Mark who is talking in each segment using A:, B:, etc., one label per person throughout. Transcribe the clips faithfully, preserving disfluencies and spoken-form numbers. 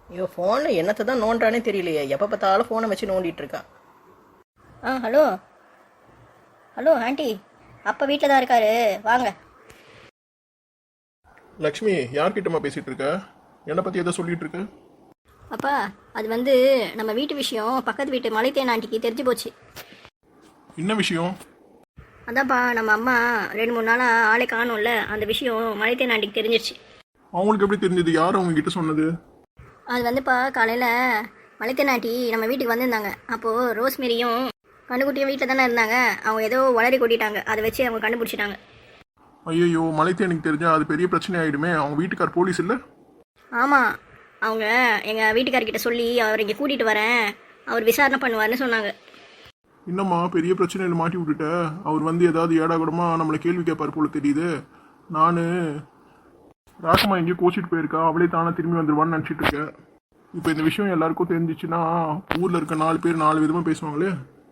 A: ஐயோ ஃபோனில் என்னத்தை தான் நோண்டானே தெரியலையே, எப்போ பார்த்தாலும் ஃபோனை வச்சு நோண்டிட்டு இருக்கான்.
B: ஆ ஹலோ ஹலோ ஆண்டி, அப்பா வீட்டில் தான் இருக்காரு, வாங்க.
C: லக்ஷ்மி, யார்கிட்டமா பேசிட்டு இருக்க? என்னை பத்தி எதை சொல்லிட்டு இருக்க?
B: அப்பா, அது வந்து நம்ம வீட்டு விஷயம் பக்கத்து வீட்டு மலைத்தேன் ஆண்டிக்கு தெரிஞ்சு போச்சு.
C: என்ன விஷயம்?
B: அதான்ப்பா, நம்ம அம்மா ரெண்டு மூணு நாளாக ஆளே காணும்ல, அந்த விஷயம் மலைத்தேன் ஆண்டிக்கு தெரிஞ்சிருச்சு.
C: அவங்களுக்கு எப்படி தெரிஞ்சது? யார் அவங்க கிட்ட சொன்னது?
B: அது வந்துப்பா, காலையில் மலைத்தேன் ஆண்டி நம்ம வீட்டுக்கு வந்திருந்தாங்க. அப்போது ரோஸ்மேரியும் கண்ணுக்குட்டியும் வீட்டில் தானே இருந்தாங்க. அவங்க ஏதோ வளரி கொட்டிட்டாங்க, அதை வச்சு அவங்க கண்டுபிடிச்சிட்டாங்க.
C: ஐயோ, மலைத்தேனுக்கு தெரிஞ்சா அது பெரிய பிரச்சனை ஆயிடுமே. அவங்க வீட்டுக்கார் போலீஸ் இல்லை?
B: ஆமாம், அவங்க எங்கள் வீட்டுக்காரர்கிட்ட சொல்லி அவர் இங்கே கூட்டிகிட்டு வரேன், அவர் விசாரணை பண்ணுவார்னு சொன்னாங்க.
C: இன்னம்மா பெரிய பிரச்சனையில் மாட்டி விட்டுட்ட. அவர் வந்து ஏதாவது ஏடாகூடமா நம்மளை கேள்வி கேட்பார் போல தெரியுது. நான் ராசமா எங்கேயோ கோச்சிட்டு போயிருக்கா, அவளே தானே திரும்பி வந்துடுவான்னு நினச்சிட்டு இருக்கேன். இப்போ இந்த விஷயம் எல்லாருக்கும் தெரிஞ்சிச்சுன்னா ஊரில் இருக்க நாலு பேர் நாலு விதமாக பேசுவாங்களே.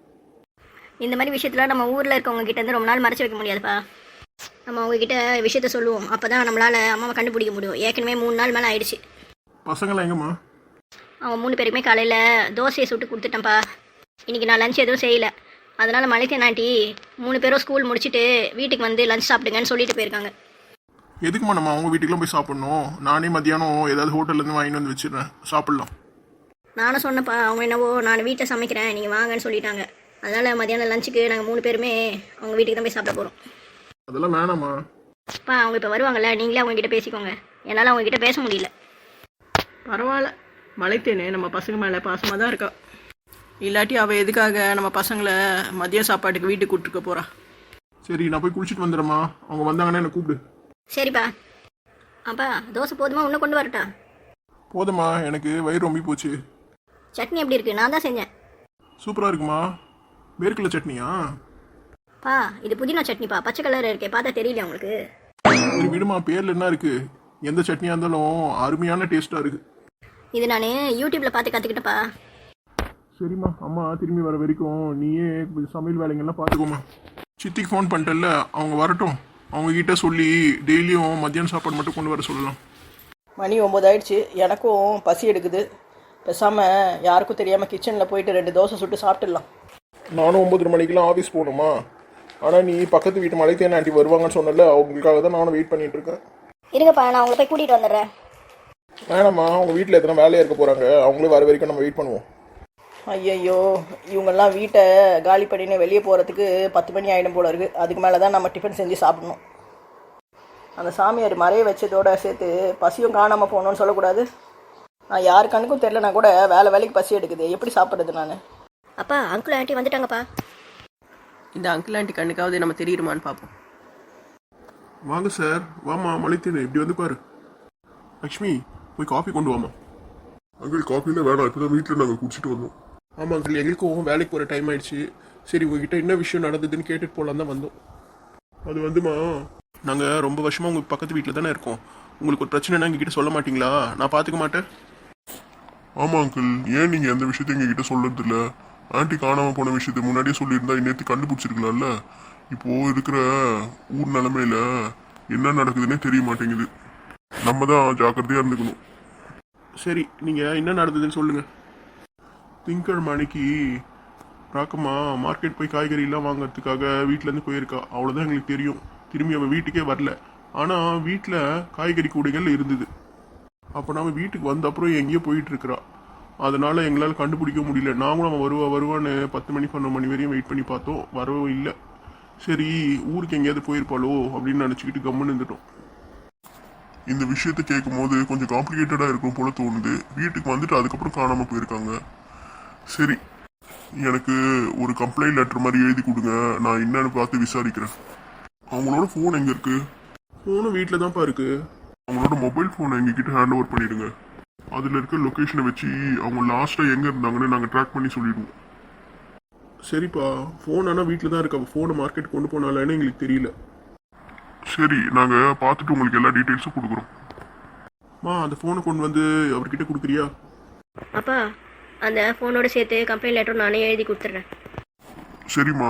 B: இந்த மாதிரி விஷயத்தில் நம்ம ஊரில் இருக்கவங்க கிட்ட இருந்து ரொம்ப நாள் மறைச்சு வைக்க முடியாதுப்பா. நம்ம அவங்கக்கிட்ட விஷயத்த சொல்லுவோம், அப்போ தான் நம்மளால் அம்மாவை கண்டுபிடிக்க முடியும். ஏற்கனவே மூணு நாள் மேலே ஆயிடுச்சு.
C: பசங்களாம் எங்கம்மா?
B: அவங்க மூணு பேருக்குமே காலையில் தோசையை சுட்டு கொடுத்துட்டேன்ப்பா. இன்றைக்கி நான் லஞ்ச் எதுவும் செய்யலை. அதனால் மலைத்தேன் ஆண்டி மூணு பேரும் ஸ்கூல் முடிச்சுட்டு வீட்டுக்கு வந்து லஞ்ச் சாப்பிடுங்கன்னு சொல்லிட்டு போயிருக்காங்க.
C: எதுக்குமா நம்ம அவங்க வீட்டுக்குலாம் போய் சாப்பிட்ணும்? நானே மத்தியானம் ஏதாவது ஹோட்டல்லேருந்து வாங்கிட்டு வந்து வச்சிடுறேன், சாப்பிட்லாம்.
B: நானும் சொன்னப்பா, அவங்க என்னவோ நான் வீட்டில் சமைக்கிறேன் நீங்கள் வாங்கன்னு சொல்லிட்டாங்க. அதனால் மத்தியானம் லஞ்சுக்கு நாங்கள் மூணு பேருமே அவங்க வீட்டுக்கு தான் போய் சாப்பிட போகிறோம்.
C: அதெல்லாம் வேணாமா?
B: அப்பா, அவங்க இப்போ வருவாங்கல்ல, நீங்களே அவங்ககிட்ட பேசிக்கோங்க. என்னால் அவங்ககிட்ட பேச முடியல.
A: பரவாயில்ல, மலைத்தேனே நம்ம பசங்க மேலே பாசமாக தான் இருக்கா. இல்லாட்டி அவள் எதுக்காக நம்ம பசங்களை மதிய சாப்பாட்டுக்கு வீட்டுக்கு கூப்பிட்டுருக்க போகிறா?
C: சரி, நான் போய் குளிச்சுட்டு வந்துடுறேம்மா. அவங்க வந்தாங்கன்னா என்னை கூப்பிடு.
B: சரிப்பா. அப்பா, தோசை போதுமா, இன்னும் கொண்டு வரட்டா?
C: போதுமா, எனக்கு வயிறு ரொம்பி போச்சு.
B: சட்னி எப்படி இருக்குது? நான் தான் செஞ்சேன்.
C: சூப்பராக இருக்குமா. வேர்க்கடலை சட்னியா?
B: பா, இது புதினா சட்னிப்பா, பச்சை கலர் இருக்கே, பார்த்தா தெரியல உங்களுக்கு?
C: சரி விடுமா, பேரில் என்ன இருக்குது? எந்த சட்னியாக இருந்தாலும் அருமையான டேஸ்ட்டாக இருக்குது.
B: இது நான் யூடியூப்பில் பார்த்து கற்றுக்கிட்டப்பா.
C: சரிம்மா, அம்மா திரும்பி வர வரைக்கும் நீயே சமையல் வேலைங்கள்லாம் பார்த்துக்கோமா. சித்திக்கு ஃபோன் பண்ணிட்டல, அவங்க வரட்டும். அவங்கக்கிட்ட சொல்லி டெய்லியும் மத்தியானம் சாப்பாடு மட்டும் கொண்டு வர சொல்லலாம்.
A: மணி ஒம்பது ஆயிடுச்சு, எனக்கும் பசி எடுக்குது. பேசாமல் யாருக்கும் தெரியாமல் கிச்சனில் போயிட்டு ரெண்டு தோசை சுட்டு சாப்பிட்டுடலாம்.
C: நானும் ஒம்பது மணிக்கெலாம் ஆஃபீஸ் போகணுமா? ஆனால் நீ பக்கத்து வீட்டு மலைத்தேன் ஆண்டி வருவாங்கன்னு சொன்னல, அவங்களுக்காக தான் நானும் வெயிட் பண்ணிட்டு இருக்கேன்.
B: இருங்கப்பா, நான் உங்களை போய் கூட்டிகிட்டு வந்துடுறேன்.
C: வேணாம்மா, அவங்க வீட்டில் எத்தனை வேலையாக இருக்க போகிறாங்க, அவங்களே வர வரைக்கும் நம்ம வெயிட் பண்ணுவோம்.
A: ஐயையோ, இவங்கெல்லாம் வீட்டை காலி பண்ணின்னு வெளியே போகிறதுக்கு பத்து மணி ஆகிடும் போல இருக்குது. அதுக்கு மேலே தான் நம்ம டிஃபன் செஞ்சு சாப்பிடணும். அந்த சாமியார் மறைய வச்சதோடு சேர்த்து பசியும் காணாமல் போகணுன்னு சொல்லக்கூடாது. நான் யார் கண்ணுக்கும் தெரிலனா கூட வேலை வேலைக்கு பசி எடுக்குது, எப்படி சாப்பிட்றது நான்?
B: அப்பா, அங்கிள் ஆண்டி வந்துட்டாங்கப்பா.
A: இந்த அங்கிள் ஆண்டி கண்ணுக்காவது நம்ம தெரியுமான்னு பார்ப்போம்.
C: வாங்க சார். வாமா மலைத்தேன், இப்படி வந்து பாரு. லக்ஷ்மி, போய் காஃபி கொண்டு வாமா. அங்கிள் காஃபிலாம் வேணாம், இப்போ தான் வீட்டில் நாங்கள் குடிச்சிட்டு வந்தோம். ஆமாம் அங்கிள், எங்களுக்கும் வேலைக்கு போகிற டைம் ஆயிடுச்சு. சரி, உங்ககிட்ட என்ன விஷயம் நடந்ததுன்னு கேட்டுட்டு போகலாம் தான் வந்தோம். அது வந்துமா, நாங்கள் ரொம்ப வருஷமாக உங்கள் பக்கத்து வீட்டில் தானே இருக்கோம். உங்களுக்கு ஒரு பிரச்சனைனா எங்ககிட்ட சொல்ல மாட்டிங்களா? நான் பார்த்துக்க மாட்டேன். ஆமாம் அங்கிள், ஏன் நீங்கள் எந்த விஷயத்தையும் எங்ககிட்ட சொல்கிறதில்ல? ஆண்டி காணாமல் போன விஷயத்தை முன்னாடியே சொல்லியிருந்தா இன்னேற்று கண்டுபிடிச்சிருக்கலாம்ல. இப்போது இருக்கிற ஊர் நிலமையில என்ன நடக்குதுன்னே தெரிய மாட்டேங்குது. நம்ம தான் ஜாக்கிரதையாக இருந்துக்கணும். சரி, நீங்கள் என்ன நடந்ததுன்னு சொல்லுங்கள். திங்கட்கிழமை அன்னைக்கு ராக்கம்மா மார்க்கெட் போய் காய்கறிலாம் வாங்கிறதுக்காக வீட்டிலேருந்து போயிருக்கா. அவ்வளோதான் எங்களுக்கு தெரியும். திரும்பி அவள் வீட்டுக்கே வரல. ஆனால் வீட்டில் காய்கறி கூடைகள் இருந்தது. அப்போ நம்ம வீட்டுக்கு வந்த அப்புறம் எங்கேயோ போயிட்டுருக்குறா. அதனால் எங்களால் கண்டுபிடிக்க முடியல. நாங்களும் அவன் வருவா வருவான்னு பத்து மணி பன்னெண்டு மணி வரையும் வெயிட் பண்ணி பார்த்தோம், வரவும் இல்லை. சரி, ஊருக்கு எங்கேயாவது போயிருப்பாளோ அப்படின்னு நினச்சிக்கிட்டு கம்முன்னு இருந்துட்டோம். இந்த விஷயத்த கேட்கும் போது கொஞ்சம் காம்ப்ளிகேட்டடாக இருக்கும் போல தோணுது. வீட்டுக்கு வந்துட்டு அதுக்கப்புறம் காணாமல் போயிருக்காங்க. சரி, எனக்கு ஒரு கம்ப்ளைண்ட் லெட்டர் மாதிரி எழுதி கொடுங்க, நான் என்னன்னு பார்த்து விசாரிக்கிறேன். அவங்களோட ஃபோன் எங்கே இருக்குது? ஃபோனும் வீட்டில் தான்ப்பா இருக்குது. அவங்களோட மொபைல் ஃபோனை எங்ககிட்ட ஹேண்ட் ஓவர் பண்ணிவிடுங்க. அதில் இருக்க லொக்கேஷனை வச்சு அவங்க லாஸ்ட்டாக எங்கே இருந்தாங்கன்னு நாங்கள் ட்ராக் பண்ணி சொல்லிடுவோம். சரிப்பா, ஃபோன் ஆனால் வீட்டில் தான் இருக்கா. ஃபோனை மார்க்கெட் கொண்டு போனாலேன்னு எங்களுக்கு தெரியல. சரி, நாங்கள் பார்த்துட்டு உங்களுக்கு எல்லா டீட்டெயில்ஸும் கொடுக்குறோம். மா, அந்த ஃபோனை கொண்டு வந்து அவர்கிட்ட கொடுக்குறியா?
B: அப்பா, அந்த ஃபோனோட சேர்த்து கம்ப்ளைண்ட் லெட்டரும் நானே எழுதி கொடுத்துட்றேன்.
C: சரிம்மா.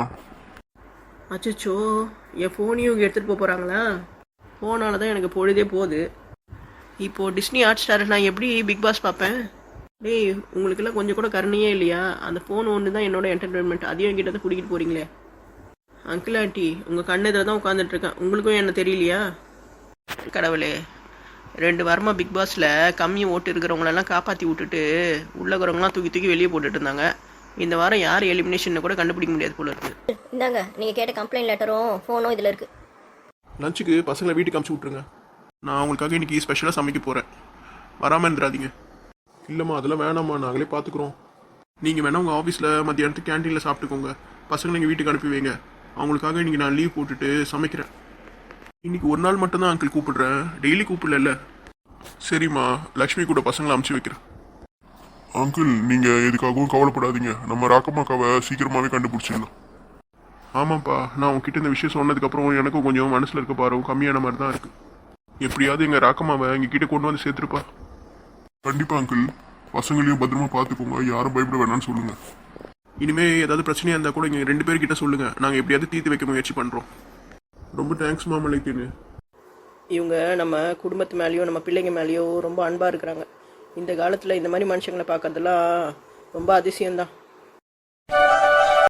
A: அச்சோ, என் ஃபோனையும் எடுத்துகிட்டு போக போகிறாங்களா? ஃபோனால தான் எனக்கு பொழுதே போகுது. இப்போது டிஸ்னி ஹாட் ஸ்டார் நான் எப்படி பிக் பாஸ் பார்ப்பேன்? டேய், உங்களுக்கெல்லாம் கொஞ்சம் கூட கருணையே இல்லையா? அந்த ஃபோன் ஒன்று தான் என்னோட என்டர்டெயின்மெண்ட், அதையும் என்கிட்ட தான் பிடிக்கிட்டு போகிறீங்களே. அங்கிள் ஆண்டி, உங்கள் கண்ணு இதில் தான் உட்காந்துட்ருக்கேன், உங்களுக்கும் என்ன தெரியலையா? கடவுளே, ரெண்டு வாரமாக பிக் பாஸில் கம்மி ஓட்டு இருக்கிறவங்களெல்லாம் காப்பாற்றி விட்டுட்டு உள்ளவங்களாம் தூக்கி தூக்கி வெளியே போட்டுட்டு இருந்தாங்க. இந்த வாரம் யார் எலிமினேஷன் கூட கண்டுபிடிக்க முடியாது போல இருக்குது.
B: இந்தாங்க நீங்கள் கேட்ட கம்ப்ளைண்ட் லெட்டரும் ஃபோனும் இதில் இருக்குது.
C: லஞ்சுக்கு பசங்களை வீட்டுக்கு அமுச்சு விட்ருங்க. நான் அவங்களுக்காக இன்னைக்கு ஸ்பெஷலாக சமைக்க போகிறேன், வராமல் இருந்துடாதீங்க. இல்லைம்மா அதெல்லாம் வேணாம்மா, நாங்களே பார்த்துக்குறோம். நீங்கள் வேணா உங்கள் ஆஃபீஸில் மத்தியானத்துக்கு கேன்டீனில் சாப்பிட்டுக்கோங்க, பசங்களை நீங்கள் வீட்டுக்கு அனுப்பி வைங்க. அவங்களுக்காக இன்றைக்கி நான் லீவ் போட்டுட்டு சமைக்கிறேன். இன்னைக்கு ஒரு நாள் மட்டும்தான் அங்கிள் கூப்பிடுறேன், டெய்லி கூப்பிடல. சரிம்மா, லக்ஷ்மி கூட பசங்களை அமுச்சு வைக்கிறேன்.
D: அங்கிள் நீங்க எதுக்காகவும் கவலைப்படாதீங்க, நம்ம ராக்கம்மாக்காவை சீக்கிரமாவே கண்டுபிடிச்சிடலாம்.
C: ஆமாப்பா, நான் உங்ககிட்ட இந்த விஷயம் சொன்னதுக்கப்புறம் எனக்கும் கொஞ்சம் மனசில் இருக்க பாரு கம்மியான மாதிரி தான் இருக்குது. எப்படியாவது எங்கள் ராக்கம்மாவை எங்ககிட்ட கொண்டு வந்து சேர்த்துருப்பா.
D: கண்டிப்பா அங்கிள், பசங்களையும் பத்திரமா பார்த்துக்கோங்க, யாரும் பயப்பட வேணாம்னு சொல்லுங்க.
C: இனிமே ஏதாவது பிரச்சனையாக இருந்தால் கூட இங்கே ரெண்டு பேர்கிட்ட சொல்லுங்கள், நாங்கள் எப்படியாவது தீர்த்து வைக்க முயற்சி பண்ணுறோம். ரொம்ப தேங்க்ஸ் மாமலைக்குன்னு.
A: இவங்க நம்ம குடும்பத்து மேலேயோ நம்ம பிள்ளைங்க மேலேயோ ரொம்ப அன்பாக இருக்கிறாங்க. இந்த காலத்தில் இந்த மாதிரி மனுஷங்களை பார்க்கறதெல்லாம் ரொம்ப அதிசயம்தான்.